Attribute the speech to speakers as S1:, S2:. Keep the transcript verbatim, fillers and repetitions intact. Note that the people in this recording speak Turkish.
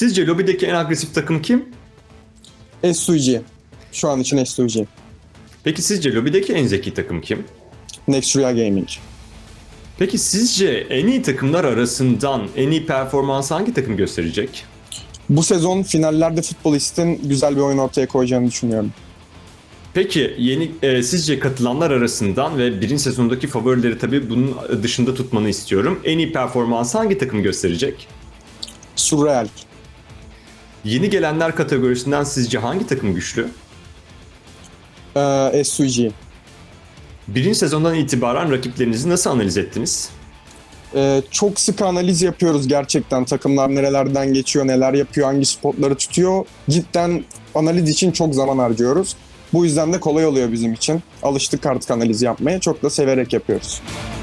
S1: Sizce lobideki en agresif takım kim?
S2: S U G. Şu an için S U G.
S1: Peki sizce lobideki en zeki takım kim?
S2: Nextria Gaming.
S1: Peki sizce en iyi takımlar arasından en iyi performans hangi takım gösterecek?
S2: Bu sezon finallerde Futbolist'in güzel bir oyun ortaya koyacağını düşünüyorum.
S1: Peki yeni e, sizce katılanlar arasından ve birinci sezondaki favorileri tabii bunun dışında tutmanı istiyorum. En iyi performans hangi takım gösterecek?
S2: Surreal.
S1: Yeni gelenler kategorisinden sizce hangi takım güçlü?
S2: Ee, S U G.
S1: Birinci sezondan itibaren rakiplerinizi nasıl analiz ettiniz?
S2: Ee, çok sık analiz yapıyoruz gerçekten. Takımlar nerelerden geçiyor, neler yapıyor, hangi spotları tutuyor. Cidden analiz için çok zaman harcıyoruz. Bu yüzden de kolay oluyor bizim için. Alıştık artık analiz yapmaya. Çok da severek yapıyoruz.